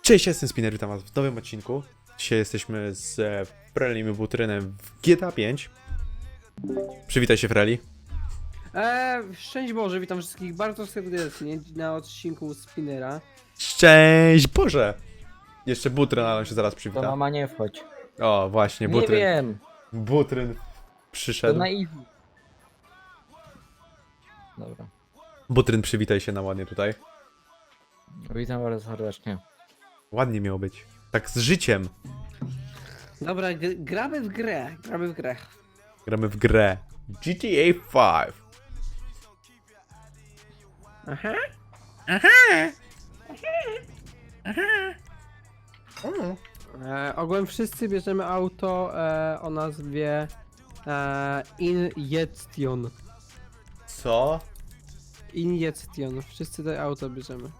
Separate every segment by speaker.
Speaker 1: Cześć, jestem Spinner, witam was w nowym odcinku. Dzisiaj jesteśmy z Frelim i Butrynem w GTA 5. Przywitaj się, Freli.
Speaker 2: Szczęść Boże, witam wszystkich bardzo serdecznie na odcinku Spinnera.
Speaker 1: Szczęść Boże! Jeszcze Butryn, ale on się zaraz
Speaker 3: To
Speaker 1: przywita.
Speaker 3: mama nie wchodź.
Speaker 1: O, właśnie,
Speaker 3: Nie
Speaker 1: Butryn.
Speaker 3: wiem.
Speaker 1: Butryn
Speaker 3: To
Speaker 1: przyszedł.
Speaker 3: na easy. Dobra.
Speaker 1: Butryn, przywitaj się na ładnie tutaj.
Speaker 3: Witam bardzo serdecznie.
Speaker 1: Ładnie miało być. Tak z życiem.
Speaker 2: Dobra, gramy w grę,
Speaker 1: Gramy w grę. GTA 5.
Speaker 2: Aha. Ogółem wszyscy bierzemy auto o nazwie Injection.
Speaker 1: Co?
Speaker 2: Injection, wszyscy te auto bierzemy.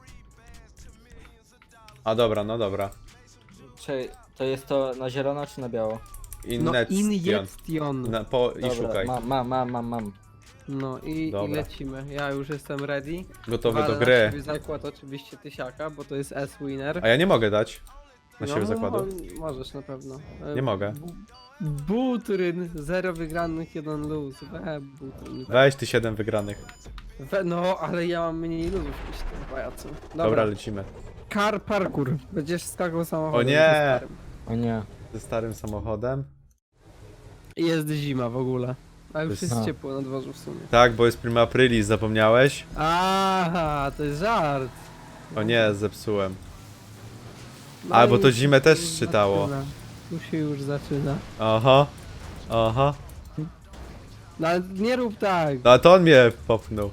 Speaker 1: A dobra, no dobra.
Speaker 3: Czy to jest to na zielono czy na biało?
Speaker 2: No
Speaker 1: Injection.
Speaker 2: Injection.
Speaker 1: I
Speaker 3: Dobra,
Speaker 1: szukaj.
Speaker 3: mam.
Speaker 2: No i
Speaker 1: Dobra.
Speaker 2: lecimy. Ja już jestem ready.
Speaker 1: Gotowy do
Speaker 2: Walę na
Speaker 1: gry.
Speaker 2: siebie zakład oczywiście tysiaka, bo to jest S-Winner.
Speaker 1: A ja nie mogę dać na siebie zakładu.
Speaker 2: Możesz na pewno.
Speaker 1: Nie mogę.
Speaker 2: Butryn, 0 wygranych, 1 luz. Butryn.
Speaker 1: Weź ty 7 wygranych.
Speaker 2: No, ale ja mam mniej luzów niż ten pajacu.
Speaker 1: Dobra, lecimy.
Speaker 2: Car parkour. Będziesz skakał samochodem.
Speaker 1: O nie!
Speaker 2: ze starym.
Speaker 3: O nie.
Speaker 1: Ze starym samochodem.
Speaker 2: I jest zima w ogóle. A już
Speaker 1: jest-
Speaker 2: jest
Speaker 3: A.
Speaker 2: ciepło na dworzu w sumie.
Speaker 1: Tak, bo jest prima aprilis, zapomniałeś?
Speaker 2: Aha, to jest żart.
Speaker 1: O nie, zepsułem.
Speaker 2: No
Speaker 1: A, bo
Speaker 2: i
Speaker 1: to zimę
Speaker 2: tu
Speaker 1: też
Speaker 2: już
Speaker 1: czytało.
Speaker 2: zaczyna. Tu się już zaczyna.
Speaker 1: Aha. Aha.
Speaker 2: No ale nie rób tak.
Speaker 1: No a to on mnie popchnął.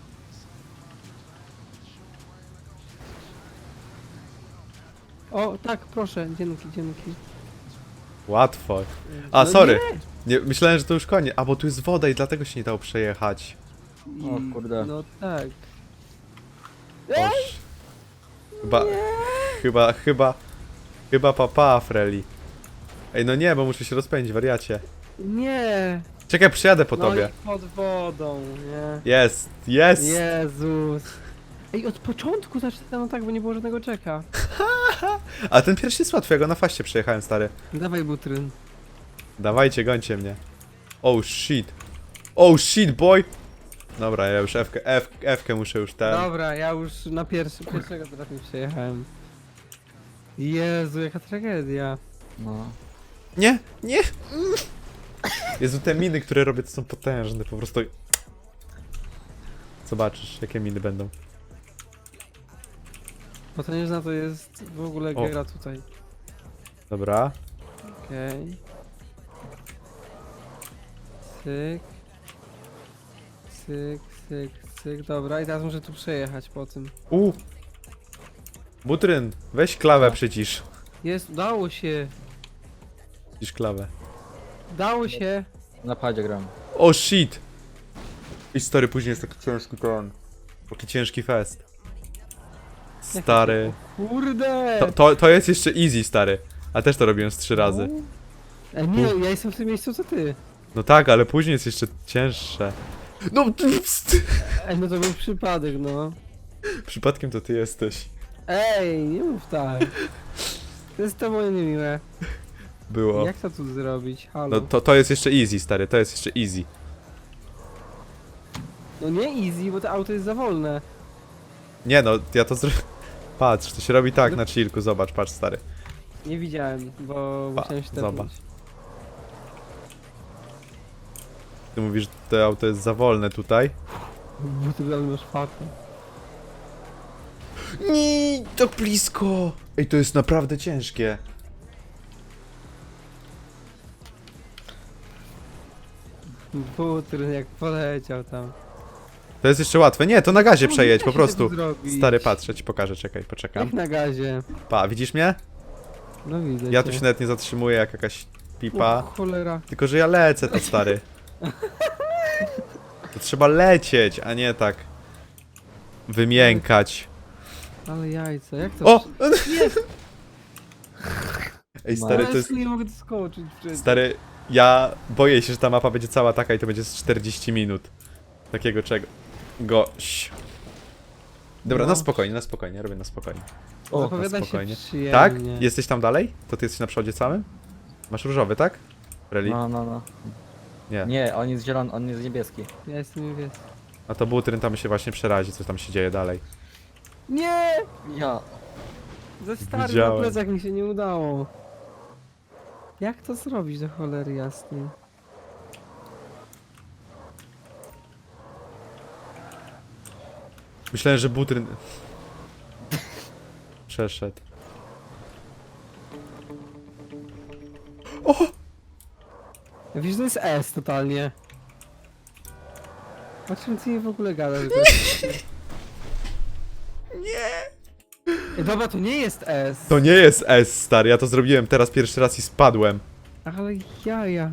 Speaker 2: O, tak, proszę, dzięki.
Speaker 1: Łatwo. A,
Speaker 2: No
Speaker 1: sorry. Nie, myślałem, że to już koniec. A, bo tu jest woda i dlatego się nie dało przejechać.
Speaker 3: O kurde.
Speaker 2: No tak.
Speaker 1: Oż. Chyba papa, Freli. Ej, no nie, bo muszę się rozpędzić, wariacie.
Speaker 2: Nie.
Speaker 1: Czekaj, przyjadę po
Speaker 2: No
Speaker 1: tobie.
Speaker 2: i pod wodą, nie?
Speaker 1: Jest, jest!
Speaker 2: Jezus. Ej, od początku zaczynano tak, bo nie było żadnego czeka.
Speaker 1: A ten pierwszy jest łatwy, ja go na faście przejechałem, stary.
Speaker 2: Dawaj butryn.
Speaker 1: Dawajcie, gońcie mnie. Oh shit. Oh shit, boy! Dobra, ja już F-kę muszę już ten.
Speaker 2: Dobra, ja już na pierwszego trafię przejechałem. Jezu, jaka tragedia.
Speaker 3: No.
Speaker 1: Nie, nie! Jezu, te miny, które robię, to są potężne, po prostu. Zobaczysz, jakie miny będą.
Speaker 2: Bo to nie zna, to jest w ogóle
Speaker 1: O.
Speaker 2: gra tutaj.
Speaker 1: Dobra.
Speaker 2: Okej. Cyk. Cyk, cyk, cyk. Dobra, i teraz muszę tu przejechać po tym.
Speaker 1: Butryn, weź klawę
Speaker 3: No.
Speaker 1: przycisz.
Speaker 2: Jest, udało się.
Speaker 1: Przycisz klawę.
Speaker 2: Udało się.
Speaker 3: Na padzie gram.
Speaker 1: Oh shit! I stary, później jest taki ciężki ten. Taki ciężki fest. Stary.
Speaker 2: Kurde!
Speaker 1: To jest jeszcze easy, stary. A też to robiłem z 3 razy.
Speaker 2: Ej, nie, ja jestem w tym miejscu co ty.
Speaker 1: No tak, ale później jest jeszcze cięższe. No,
Speaker 2: Ej, no to był przypadek, no.
Speaker 1: przypadkiem to ty jesteś.
Speaker 2: Ej, nie mów tak. To jest to moje niemiłe.
Speaker 1: Było.
Speaker 2: Jak to tu zrobić? Halo.
Speaker 1: No to jest jeszcze easy, stary, to jest jeszcze easy.
Speaker 2: No nie easy, bo to auto jest za wolne.
Speaker 1: Nie no, ja to Patrz, to się robi tak na chillku, zobacz, patrz, stary.
Speaker 2: Nie widziałem, bo musiałem się
Speaker 1: zobacz.
Speaker 2: tepnąć.
Speaker 1: Ty mówisz, że to auto jest za wolne tutaj.
Speaker 2: Bo ty tam masz fatę.
Speaker 1: Nie, tak blisko! Ej, to jest naprawdę ciężkie.
Speaker 2: Butryn jak poleciał tam.
Speaker 1: To jest jeszcze łatwe. Nie, to na gazie
Speaker 2: No,
Speaker 1: przejedź,
Speaker 2: nie
Speaker 1: po
Speaker 2: da się
Speaker 1: prostu.
Speaker 2: tego zrobić.
Speaker 1: Stary, patrz, ja ci pokażę, czekaj, poczekam.
Speaker 2: Jak na gazie.
Speaker 1: Pa, widzisz mnie?
Speaker 2: No widzę
Speaker 1: Ja
Speaker 2: cię.
Speaker 1: tu się nawet nie zatrzymuję jak jakaś pipa.
Speaker 2: O, cholera.
Speaker 1: Tylko, że ja lecę to, stary. To trzeba lecieć, a nie tak wymiękać.
Speaker 2: Ale jajca, jak to...
Speaker 1: O!
Speaker 2: Nie,
Speaker 1: Ej, stary, to jest...
Speaker 2: nie mogę doskoczyć przecież.
Speaker 1: Stary, ja boję się, że ta mapa będzie cała taka i to będzie z 40 minut. Takiego czego. Goś. Dobra,
Speaker 2: No.
Speaker 1: na spokojnie, robię na spokojnie.
Speaker 3: O,
Speaker 2: Zapowiada się
Speaker 1: spokojnie.
Speaker 2: przyjemnie.
Speaker 1: Tak? Jesteś tam dalej? To ty jesteś na przodzie całym? Masz różowy, tak? Reli?
Speaker 3: no.
Speaker 1: Nie.
Speaker 3: Nie, on jest zielony, on jest niebieski.
Speaker 2: Ja jestem niebieski.
Speaker 1: A to butryn tam się właśnie przerazi, co tam się dzieje dalej.
Speaker 2: Nie!
Speaker 3: Ja.
Speaker 2: Ze starym
Speaker 1: Widziałem.
Speaker 2: na plecach mi się nie udało. Jak to zrobić do cholery jasnej?
Speaker 1: Myślałem, że butryn... Przeszedł.
Speaker 2: Wiesz, to jest S totalnie. O czym ty w ogóle gadasz? Nie! Dobra, to nie jest S.
Speaker 1: To nie jest S, stary, ja to zrobiłem teraz pierwszy raz i spadłem.
Speaker 2: Ale jaja.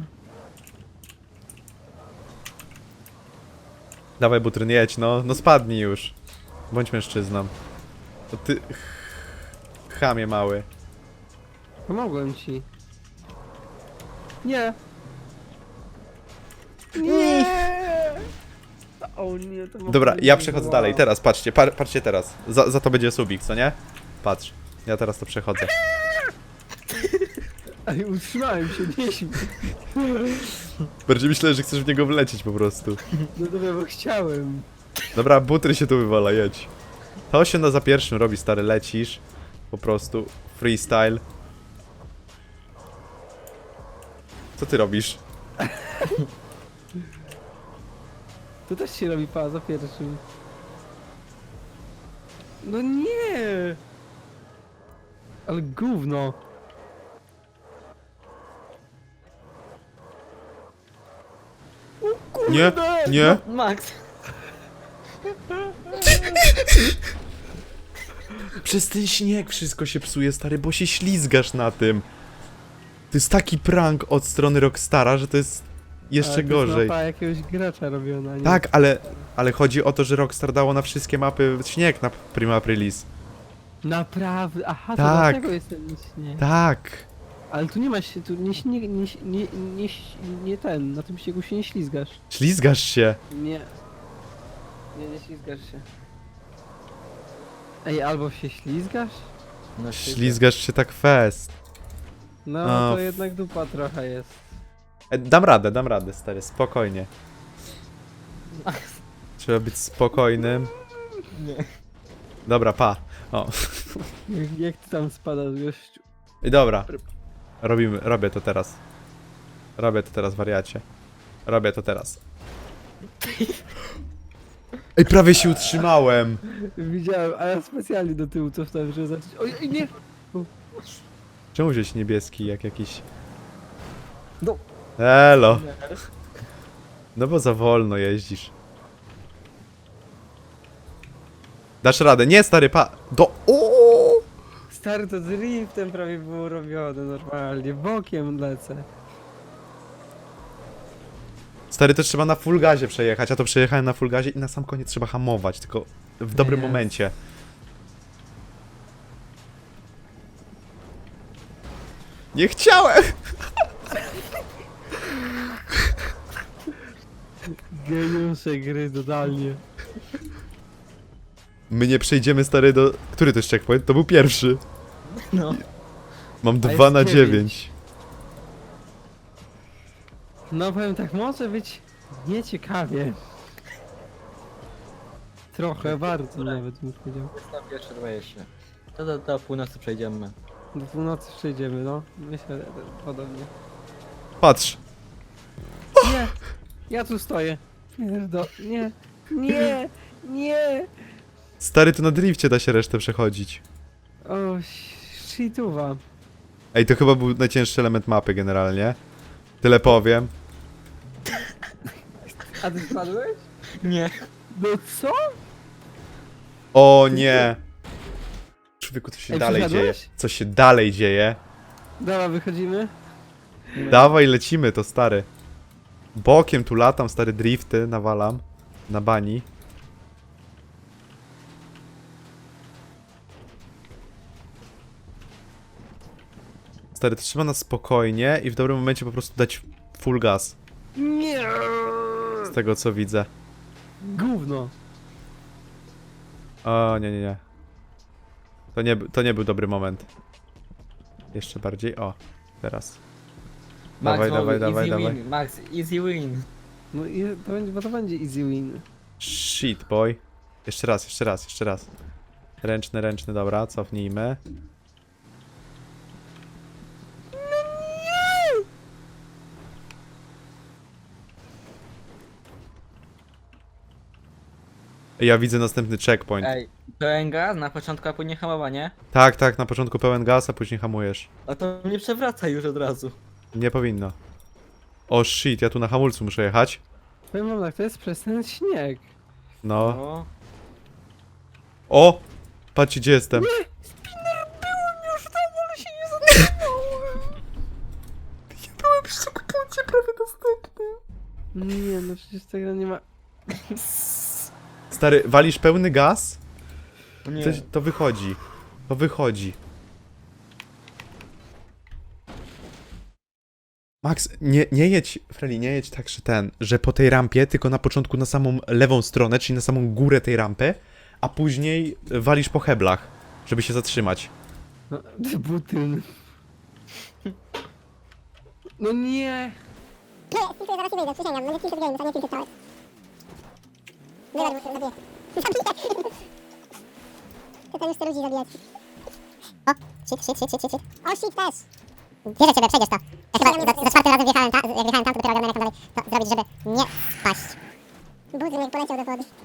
Speaker 1: Dawaj butryn, jedź, no. No spadnij już. Bądź mężczyzną. To ty... Chamie mały.
Speaker 2: Pomogłem ci. Nie. Nie! O nie, to
Speaker 1: Dobra, ja przechodzę dalej, teraz, patrzcie, patrzcie teraz. Za to będzie subik, co nie? Patrz, ja teraz to przechodzę.
Speaker 2: Ej, utrzymałem się, nie śmiej.
Speaker 1: Bardziej myślę, że chcesz w niego wlecieć po prostu.
Speaker 2: No dobra, bo chciałem.
Speaker 1: Dobra, butry się tu wywala, jedź. To się za pierwszym robi, stary, lecisz. Po prostu, freestyle. Co ty robisz?
Speaker 2: To też się robi za pierwszym. No nie! Ale gówno. O
Speaker 1: Nie,
Speaker 2: kurde!
Speaker 1: nie.
Speaker 3: Max!
Speaker 1: Przez ten śnieg wszystko się psuje, stary, bo się ślizgasz na tym. To jest taki prank od strony Rockstara, że to jest jeszcze
Speaker 2: Ale to
Speaker 1: gorzej.
Speaker 2: jest mapa jakiegoś gracza robiona, nie?
Speaker 1: Tak, ale chodzi o to, że Rockstar dało na wszystkie mapy śnieg na Prima Aprilis.
Speaker 2: Naprawdę? Aha, to
Speaker 1: Tak.
Speaker 2: dlatego jest ten śnieg.
Speaker 1: Tak.
Speaker 2: Ale tu nie ma się, tu nie ten, na tym śniegu się nie ślizgasz.
Speaker 1: Ślizgasz się.
Speaker 2: Nie. Nie ślizgasz się. Ej, albo się ślizgasz?
Speaker 3: No,
Speaker 1: Ślizgasz się tak fest.
Speaker 2: No,
Speaker 1: A,
Speaker 2: to jednak dupa trochę jest.
Speaker 1: Dam radę, stary, spokojnie. Trzeba być spokojnym.
Speaker 3: Nie.
Speaker 1: Dobra, pa. O.
Speaker 2: Jak ty tam spadasz, gościu?
Speaker 1: I dobra. Robię to teraz. Robię to teraz, wariacie. Robię to teraz. Ej, prawie się utrzymałem.
Speaker 2: Widziałem, a ja specjalnie do tyłu cofnąłem, żeby zacząć. Oj, nie!
Speaker 1: Czemu wziąć niebieski jak jakiś...
Speaker 3: No.
Speaker 1: Elo. No bo za wolno jeździsz. Dasz radę. Nie, stary, o!
Speaker 2: Stary, to driftem prawie było robione normalnie, bokiem lecę.
Speaker 1: Stary, to trzeba na full gazie przejechać, a to przejechałem na full gazie i na sam koniec trzeba hamować, tylko w dobrym
Speaker 2: Jest.
Speaker 1: momencie. Nie chciałem!
Speaker 2: Geniusze gry, totalnie.
Speaker 1: My nie przejdziemy, stary, do... Który to jest checkpoint? To był pierwszy.
Speaker 3: No.
Speaker 1: Mam
Speaker 2: A
Speaker 1: 2
Speaker 2: jest
Speaker 1: na
Speaker 2: 9.
Speaker 1: 9.
Speaker 2: No powiem tak, może być nieciekawie. Trochę, bardzo nawet bym powiedział.
Speaker 3: Jest na pierwsze 20. To do północy przejdziemy.
Speaker 2: Do północy przejdziemy, no. Myślę, że podobnie.
Speaker 1: Patrz.
Speaker 2: Nie! Ja tu stoję. Nie! Nie! Nie!
Speaker 1: Stary, to na drifcie da się resztę przechodzić.
Speaker 2: O, shituwa.
Speaker 1: Ej, to chyba był najcięższy element mapy generalnie. Tyle powiem.
Speaker 2: A ty spadłeś?
Speaker 3: Nie.
Speaker 2: No co?
Speaker 1: O nie! Człowieku, co się
Speaker 2: Ej,
Speaker 1: dalej dzieje?
Speaker 2: przeszedłeś?
Speaker 1: Co się dalej dzieje?
Speaker 2: Dobra, wychodzimy.
Speaker 1: Dawaj, lecimy to, stary. Bokiem tu latam, stary, drifty nawalam. Na bani. Stary, to trzeba na spokojnie i w dobrym momencie po prostu dać full gas.
Speaker 2: Nie!
Speaker 1: Z tego co widzę.
Speaker 2: Gówno.
Speaker 1: O, nie. To nie był dobry moment. Jeszcze bardziej, o, teraz.
Speaker 3: Max,
Speaker 1: Dawaj,
Speaker 3: mogę,
Speaker 1: dawaj,
Speaker 3: easy
Speaker 1: dawaj.
Speaker 3: win. Max, easy win.
Speaker 2: No i to będzie, bo to będzie easy win.
Speaker 1: Shit, boy. Jeszcze raz, jeszcze raz, jeszcze raz. Ręczny, dobra, cofnijmy. Ja widzę następny checkpoint.
Speaker 3: Ej, pełen gaz na początku, a później hamowanie.
Speaker 1: Tak, tak, na początku pełen gaz, a później hamujesz.
Speaker 3: A to mnie przewraca już od razu.
Speaker 1: Nie powinno. O shit, ja tu na hamulcu muszę jechać.
Speaker 2: Powiem wam tak, to jest przez ten śnieg.
Speaker 1: No.
Speaker 3: O,
Speaker 1: O! Patrzcie, gdzie jestem.
Speaker 2: Już tam, ale się nie zatrzymałem.
Speaker 1: Ja byłem przy checkpoincie prawie następny.
Speaker 2: Nie, no przecież tego nie ma...
Speaker 1: Stary, walisz pełny gaz?
Speaker 3: nie.
Speaker 1: To wychodzi. To wychodzi. Max, nie jedź, Freli, nie jedź tak, że po tej rampie, tylko na początku na samą lewą stronę, czyli na samą górę tej rampy, a później walisz po heblach, żeby się zatrzymać.
Speaker 2: No, butyn. No nie!
Speaker 4: Nie, tylko zaraz nie wyjdę, przysięgam, będzie kilka games, a nie kilka całe. Wybacz, zabiję. Zabiję. To ten już chce ludzi zabijać. O, shit. O, shit też. Wierzę ciebie, przejdziesz to. Ja chyba za czwartym razem wjechałem tam, jak wjechałem tam, to dopiero ogarnąłem jak tam dalej to zrobić, żeby nie spaść. Budzyn jak poleciał do wody.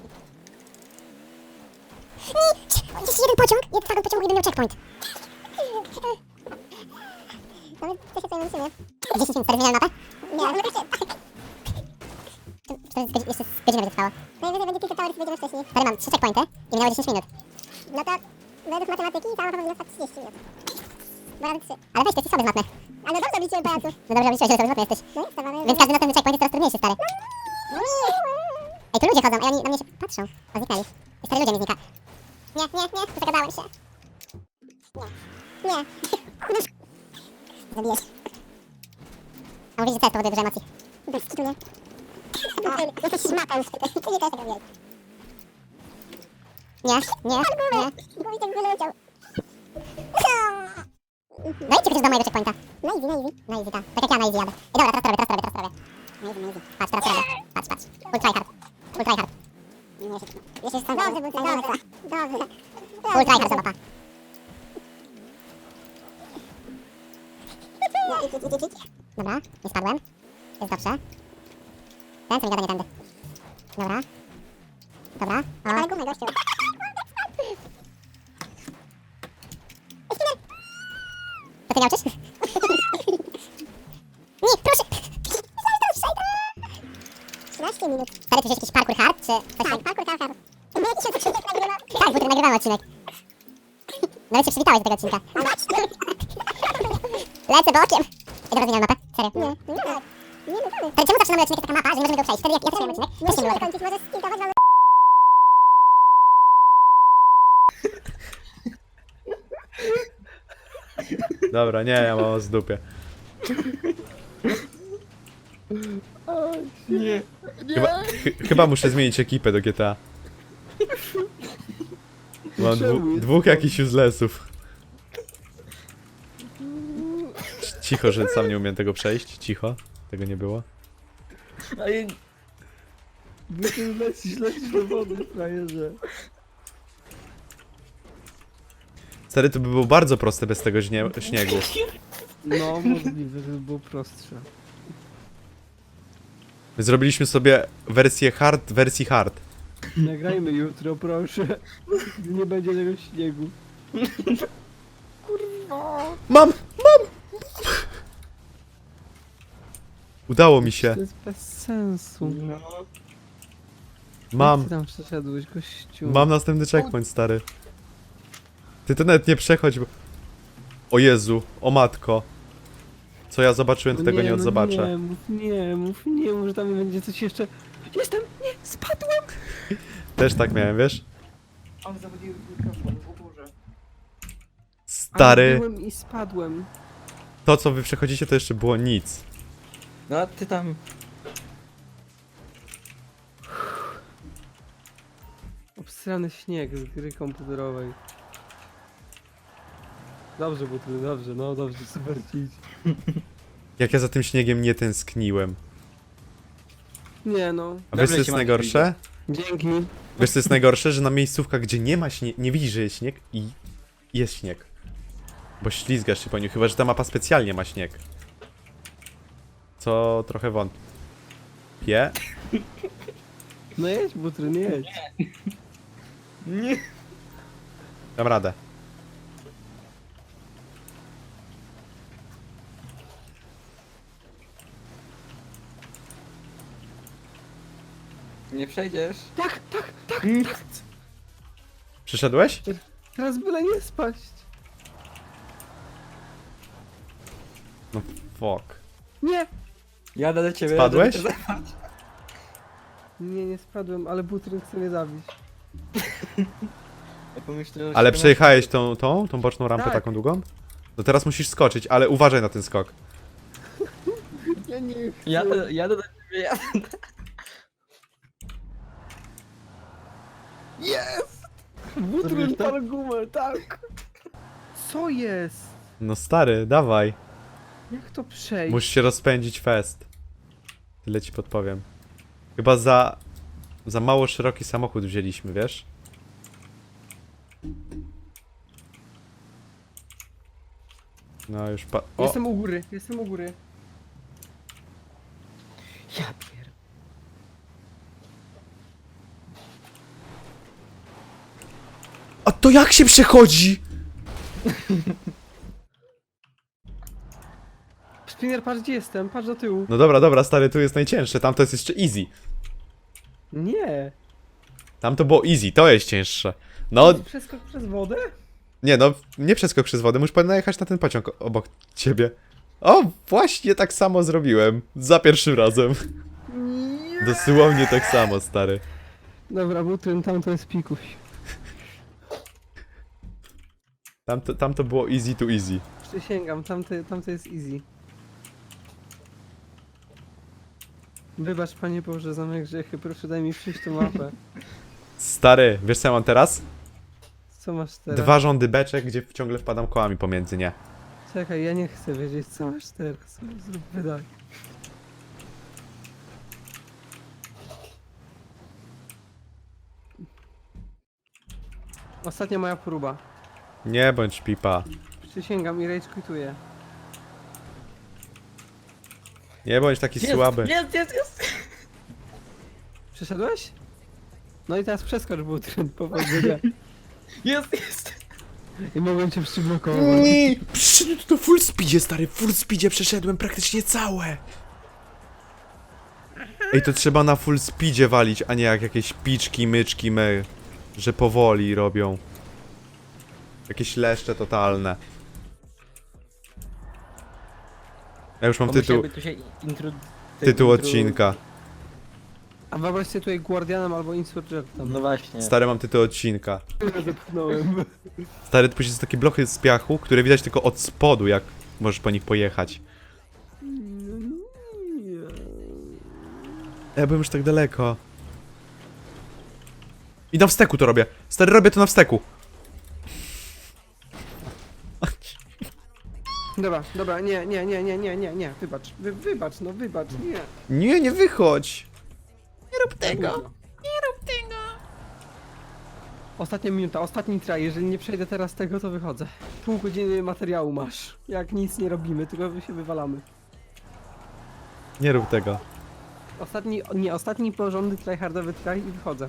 Speaker 4: Jeszcze jeden pociąg, jeden wagon pociągu i będę miał checkpoint. Nawet to się tutaj musimy. 10 minut, zmieniam mapę? Nie, ale jeszcze... To jest jeszcze z godzinę będzie trwało. Najwyżej będzie kilka towerów, będziemy wcześniej. Tady mam 3 checkpointy i minęło 10 minut. No to według matematyki cała mapa powinna trwać 30 minut. Bo razy 3. Ale weź, to jesteś słaby z matmy. Ale dobrze obliczyłem pajacu. No dobrze obliczyłeś, że słaby z matmy jesteś. No jestem, ale... Więc każdy następny checkpoint jest coraz trudniejszy, stary. No nie! Ej, tu ludzie chodzą, a oni na mnie się patrzą. O, zniknęli. I stary ludzie mi znika. Nie, zagadałem się. Nie. Zabijesz. A mówisz, że to jest powoduje dużo emocji. Bez kitu, nie? Jesteś szmata już, ty nie też tego wiesz. Nie. Głowi tak wyleciał. Dajcie przecież do mojego checkpointa. Na easy, tak. Tak jak ja na easy jadę. Ej, dobra, teraz to robię. Na easy. Patrz. Full tryhard. Jeszcze jest tam. Dobrze. Full tryhard, mapa. Dobra, nie spadłem. Jest dobrze. Ten co mi gada, nie tędy. Dobra. O. Ale gumę, gościu. To ty nie uczysz? Nie, proszę! 13 minut. Stary, czy jest jakiś parkour hard, czy coś tak? Parkour hard. My jakiś odcinek nagrywamy. Tak, bo ty nagrywamy odcinek. Nawet się przywitałeś do tego odcinka. Lecę bokiem. Ej, dobra, zmieniam mapę. Serio. Nie. Stary, czemu zawsze na mój odcinek jest taka mapa, że nie możemy go przejść? Wtedy jak ja też miałem odcinek, też nie było tego. Możesz skiltować, mamy...
Speaker 1: Dobra, nie, ja mam z dupie.
Speaker 3: Nie.
Speaker 1: Chyba muszę zmienić ekipę do GTA. Mam dwóch jakichś uselessów. Cicho, że sam nie umiem tego przejść. Cicho. Tego nie było.
Speaker 3: Ej,
Speaker 2: Butyn lecisz do wody, frajerze.
Speaker 1: Stary, to by było bardzo proste bez tego śniegu.
Speaker 2: No, możliwe, żeby było prostsze.
Speaker 1: My zrobiliśmy sobie wersję hard, wersji hard.
Speaker 2: Nagrajmy jutro, proszę. Gdy nie będzie tego śniegu.
Speaker 1: Mam! Udało mi się.
Speaker 2: To jest bez sensu.
Speaker 3: no.
Speaker 2: Jak
Speaker 1: Mam.
Speaker 2: ty tam przeszedłeś, gościu?
Speaker 1: Mam następny checkpoint, stary. Ty to nawet nie przechodź, bo... O Jezu, o matko. Co ja zobaczyłem, to tego nie odzobaczę.
Speaker 2: Nie mów, że tam będzie coś jeszcze... Jestem! Nie! Spadłem!
Speaker 1: Też tak miałem, wiesz?
Speaker 3: On zawodził mikrofon w górze.
Speaker 2: Ale
Speaker 1: Stary,
Speaker 2: byłem i spadłem.
Speaker 1: to co wy przechodzicie to jeszcze było nic.
Speaker 3: No a ty tam...
Speaker 2: Obsrany śnieg z gry komputerowej. Dobrze, Butry, dobrze, no dobrze, super ci idzie.
Speaker 1: Jak ja za tym śniegiem nie tęskniłem.
Speaker 2: Nie no,
Speaker 1: A wiesz
Speaker 3: Dobrze
Speaker 1: co jest
Speaker 3: ci,
Speaker 1: najgorsze?
Speaker 2: dzięki.
Speaker 1: Wiesz co jest najgorsze? Że na miejscówkach, gdzie nie ma śniegu, nie widzisz, że jest śnieg i jest śnieg. Bo ślizgasz się po nim, chyba że ta mapa specjalnie ma śnieg. Co trochę wątpię.
Speaker 2: No jedź, Butry, nie jedź.
Speaker 3: Nie.
Speaker 1: Dam radę.
Speaker 3: Nie przejdziesz.
Speaker 2: Tak, tak, tak, tak.
Speaker 1: Przyszedłeś?
Speaker 2: Teraz byle nie spaść.
Speaker 1: No fuck.
Speaker 2: Nie.
Speaker 3: Jadę do ciebie.
Speaker 1: Spadłeś?
Speaker 3: jadę do ciebie.
Speaker 2: Nie, nie spadłem, ale Butry chce mnie zabić.
Speaker 3: Ja pomyślałem, że
Speaker 1: Ale
Speaker 3: się
Speaker 1: przejechałeś tą boczną rampę
Speaker 2: Tak.
Speaker 1: taką długą? No teraz musisz skoczyć, ale uważaj na ten skok.
Speaker 2: Ja nie chcę.
Speaker 3: Jadę do ciebie, jadę.
Speaker 2: Jest! Butry
Speaker 3: Zrobiłeś to?
Speaker 2: pal gumę, tak. Co jest?
Speaker 1: No stary, dawaj.
Speaker 2: Jak to przejść?
Speaker 1: Musisz się rozpędzić fest. Tyle ci podpowiem. Chyba za mało szeroki samochód wzięliśmy, wiesz? No już o,
Speaker 2: Jestem u góry, jestem u góry.
Speaker 3: Ja pier...
Speaker 1: A to jak się przechodzi?
Speaker 2: Spinner, patrz gdzie jestem, patrz do tyłu.
Speaker 1: No dobra, dobra, stary, tu jest najcięższe, tam to jest jeszcze easy.
Speaker 2: Nie.
Speaker 1: Tam to było easy, to jest cięższe. No,
Speaker 2: Przeskok przez wodę?
Speaker 1: nie no, nie przeskok przez wodę, musisz najechać na ten pociąg obok ciebie. O, właśnie tak samo zrobiłem. Za pierwszym razem.
Speaker 2: Nie.
Speaker 1: Dosłownie tak samo, stary.
Speaker 2: Dobra, Butryn, tam to jest pikuś.
Speaker 1: Tam to było easy to easy.
Speaker 2: Przysięgam, tam to jest easy. Wybacz, Panie Boże, za moje grzechy, proszę daj mi przyjść tą mapę.
Speaker 1: Stary, wiesz co ja mam teraz?
Speaker 2: Co masz teraz?
Speaker 1: 2 rządy beczek, gdzie ciągle wpadam kołami pomiędzy nie.
Speaker 2: Czekaj, ja nie chcę wiedzieć, co masz teraz. Zrób wydaj. Ostatnia moja próba.
Speaker 1: Nie bądź pipa.
Speaker 2: Przysięgam i rage quituję.
Speaker 1: Nie bądź taki słaby.
Speaker 3: Jest!
Speaker 2: Przeszedłeś? No i teraz przeskocz Butryn, powodzenia.
Speaker 3: Jest!
Speaker 2: I mogłem cię przyblokować.
Speaker 1: Nie, przyszedłem to full speedzie, stary, full speedzie przeszedłem praktycznie całe. Ej, to trzeba na full speedzie walić, a nie jak jakieś piczki, myczki, że powoli robią. Jakieś leszcze totalne. Ja już mam tytuł
Speaker 3: Tu się
Speaker 1: odcinka.
Speaker 2: A wyobraź sobie tutaj Guardianem albo Insurgentem.
Speaker 3: No właśnie.
Speaker 1: Stary, mam tytuł odcinka.
Speaker 2: Zepchnąłem.
Speaker 1: Stary, to później są takie blochy z piachu, które widać tylko od spodu, jak możesz po nich pojechać. Ja byłem już tak daleko. I na wsteku to robię. Stary, robię to na wsteku.
Speaker 2: Dobra, nie, wybacz, wybacz, no wybacz, nie.
Speaker 1: Nie, nie wychodź.
Speaker 2: Tego. Ostatnia minuta, ostatni try, jeżeli nie przejdę teraz tego, to wychodzę. Pół godziny materiału masz. Jak nic nie robimy, tylko się wywalamy.
Speaker 1: Nie rób tego.
Speaker 2: Ostatni porządny tryhardowy try i wychodzę.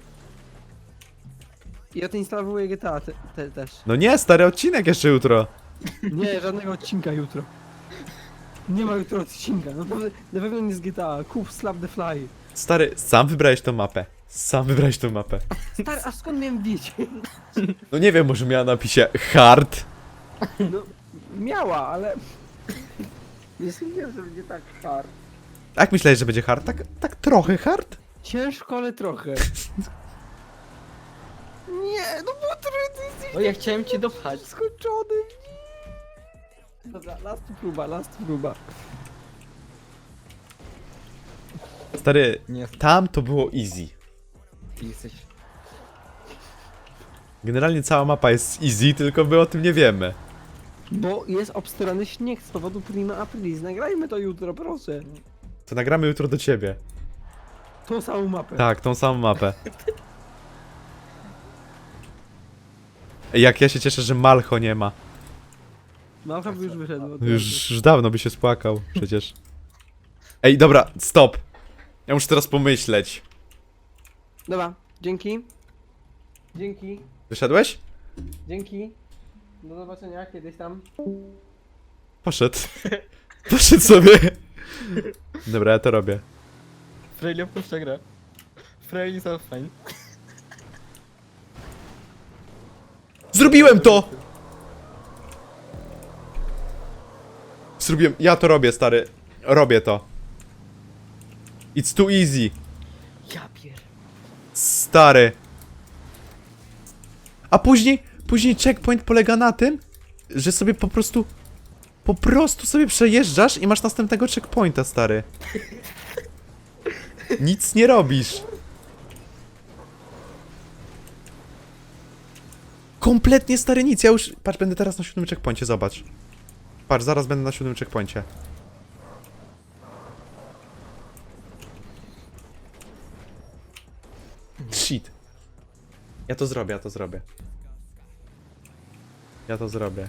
Speaker 2: I odinstalowuję GTA też.
Speaker 1: No nie, stary, odcinek jeszcze jutro.
Speaker 2: Nie, żadnego odcinka jutro. Nie ma jutro odcinka, na pewno nie z GTA. Kup Slap the Fly.
Speaker 1: Stary, sam wybrałeś tą mapę. Sam wybrałeś tą mapę.
Speaker 2: Stary, a skąd miałem wiedzieć?
Speaker 1: No nie wiem, może miała napisie hard.
Speaker 2: No, miała, ale... Nie sądziłem, że będzie tak hard.
Speaker 1: Jak myślałeś, że będzie hard? Tak trochę hard?
Speaker 2: Ciężko, ale trochę. Nie, no bo ty jesteś
Speaker 3: No ja chciałem cię dopchać.
Speaker 2: skończony. Dobra, last próba.
Speaker 1: Stary,
Speaker 3: Nie,
Speaker 1: tam to było easy.
Speaker 3: ty jesteś...
Speaker 1: Generalnie cała mapa jest easy, tylko my o tym nie wiemy.
Speaker 2: Bo jest obstrany śnieg z powodu Prima Aprilis. Nagrajmy to jutro, proszę.
Speaker 1: To nagramy jutro do ciebie.
Speaker 2: Tą samą mapę.
Speaker 1: Tak, tą samą mapę. Jak ja się cieszę, że Malcho nie ma.
Speaker 2: Mapa by już wyszedł.
Speaker 1: Już dawno by się spłakał, przecież. Ej, dobra, stop. Ja muszę teraz pomyśleć.
Speaker 2: Dobra, dzięki. Dzięki.
Speaker 1: Wyszedłeś?
Speaker 2: Dzięki. Do zobaczenia kiedyś tam.
Speaker 1: Poszedł. Poszedł sobie. Dobra, ja to robię.
Speaker 3: Frejli opuszcza grę. Frejli są fajni.
Speaker 1: Zrobiłem to! Zrobiłem. Ja to robię, stary. Robię to. It's too easy.
Speaker 3: Ja pier...
Speaker 1: Stary. A później checkpoint polega na tym, że sobie po prostu sobie przejeżdżasz i masz następnego checkpointa, stary. Nic nie robisz. Kompletnie, stary, nic. Ja już... Patrz, będę teraz na 7 checkpoincie, zobacz. Patrz, zaraz będę na 7 checkpoincie. Shit. Ja to zrobię, ja to zrobię. Ja to zrobię.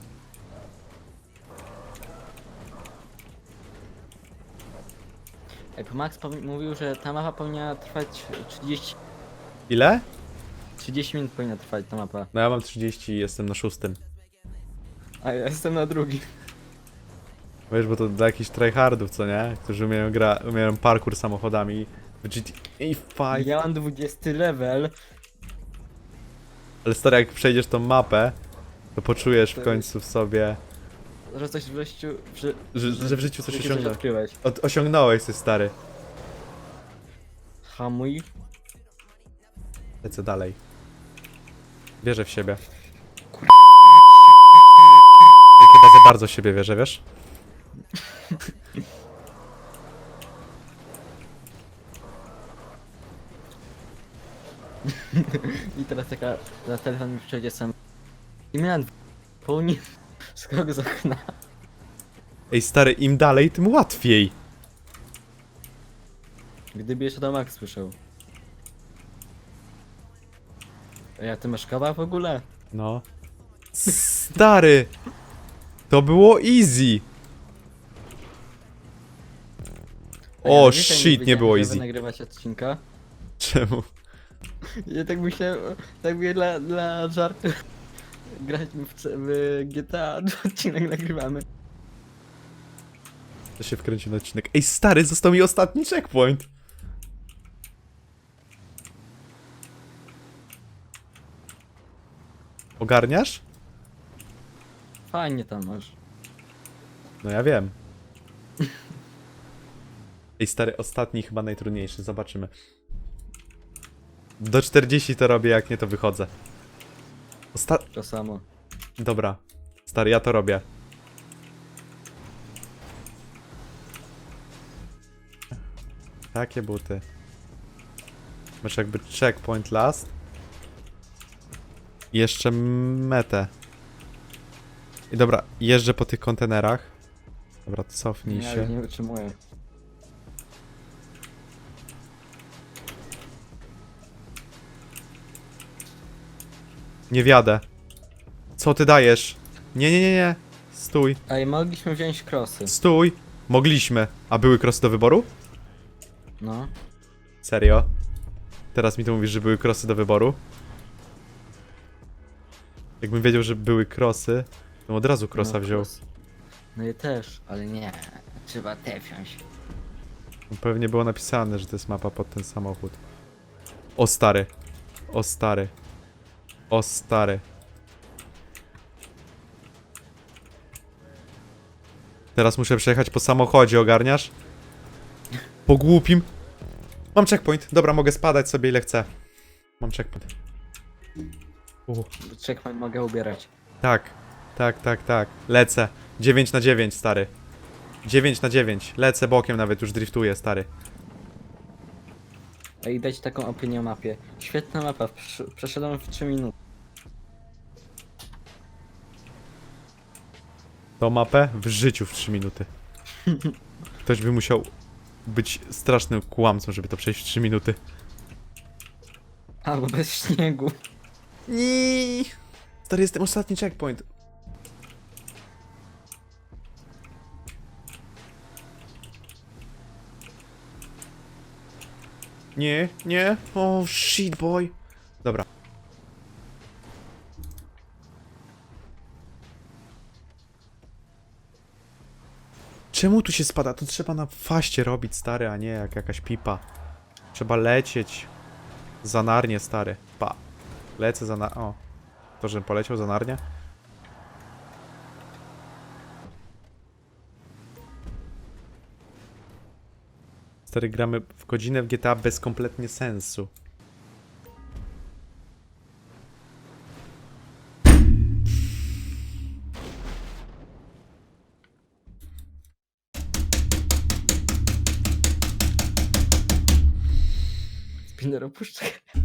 Speaker 3: Ej, Max mówił, że ta mapa powinna trwać
Speaker 1: Ile?
Speaker 3: 30 minut powinna trwać ta mapa.
Speaker 1: No ja mam 30 i jestem na 6.
Speaker 3: A ja jestem na drugim.
Speaker 1: Wiesz, bo to dla jakichś tryhardów, co nie? Którzy umieją parkour samochodami w GTA 5.
Speaker 3: Ja mam 20 level.
Speaker 1: Ale stary, jak przejdziesz tą mapę, to poczujesz w
Speaker 3: To
Speaker 1: końcu w sobie,
Speaker 3: Że coś w życiu...
Speaker 1: że w życiu coś
Speaker 3: coś
Speaker 1: osiągnąłeś.
Speaker 3: odkryłeś.
Speaker 1: Osiągnąłeś coś, stary.
Speaker 3: Hamuj.
Speaker 1: Lecę dalej. Wierzę w siebie. Ja chyba za bardzo w siebie wierzę, wiesz?
Speaker 3: I teraz taka... Za telefon mi przejdzie sam... I miałem pełni skok z okna.
Speaker 1: Ej, stary, im dalej, tym łatwiej.
Speaker 3: Gdyby jeszcze to Max słyszał. Ej, a ty masz kawa w ogóle?
Speaker 1: No. Stary! To było easy! O,
Speaker 3: wiecie,
Speaker 1: shit, nie
Speaker 3: wiedziałem,
Speaker 1: było
Speaker 3: że
Speaker 1: easy.
Speaker 3: wy nagrywać odcinka.
Speaker 1: Czemu?
Speaker 3: Ja tak myślałem, tak mówię dla żartu. Grać w GTA, odcinek nagrywamy.
Speaker 1: To się wkręci na odcinek. Ej, stary, został mi ostatni checkpoint. Ogarniasz?
Speaker 3: Fajnie tam masz.
Speaker 1: No ja wiem. Ej, stary, ostatni chyba najtrudniejszy, zobaczymy. Do 40 to robię, jak nie to wychodzę.
Speaker 3: To samo.
Speaker 1: Dobra. Stary, ja to robię. Takie buty. Masz jakby checkpoint last. I jeszcze metę. I dobra, jeżdżę po tych kontenerach. Dobra, cofnij
Speaker 3: Ja
Speaker 1: się.
Speaker 3: już nie wytrzymuję.
Speaker 1: Nie wjadę. Co ty dajesz? Nie, nie, nie, nie. Stój.
Speaker 3: Ej, mogliśmy wziąć krosy.
Speaker 1: Stój. Mogliśmy. A były krosy do wyboru?
Speaker 3: No.
Speaker 1: Serio? Teraz mi to mówisz, że były krosy do wyboru? Jakbym wiedział, że były krosy, to bym od razu krosa
Speaker 3: no,
Speaker 1: wziął.
Speaker 3: kros. No je też, ale nie. Trzeba te wziąć.
Speaker 1: Pewnie było napisane, że to jest mapa pod ten samochód. O stary. O stary. O stary. Teraz muszę przejechać po samochodzie, ogarniasz? Po głupim. Mam checkpoint. Dobra, mogę spadać sobie ile chcę. Mam checkpoint.
Speaker 3: Checkpoint mogę ubierać.
Speaker 1: Tak. Tak, tak, tak. Lecę. 9 na 9, stary. 9 na 9. Lecę bokiem nawet, już driftuję, stary.
Speaker 3: Ej, dać taką opinię o mapie. Świetna mapa, przeszedłem w 3 minuty.
Speaker 1: Tą mapę w życiu w 3 minuty. Ktoś by musiał być strasznym kłamcą, żeby to przejść w 3 minuty.
Speaker 3: Albo bez śniegu.
Speaker 1: Nie. Stary, jestem ostatni checkpoint. Nie, nie. Oh shit, boy. Dobra. Czemu tu się spada? To trzeba na faście robić, stary, a nie jak jakaś pipa. Trzeba lecieć. Za Narnię, stary. Pa. Lecę za Narnię. O. To, żebym poleciał za Narnię? Stary, gramy w godzinę w GTA bez kompletnie sensu.
Speaker 3: Spinner opuszczę.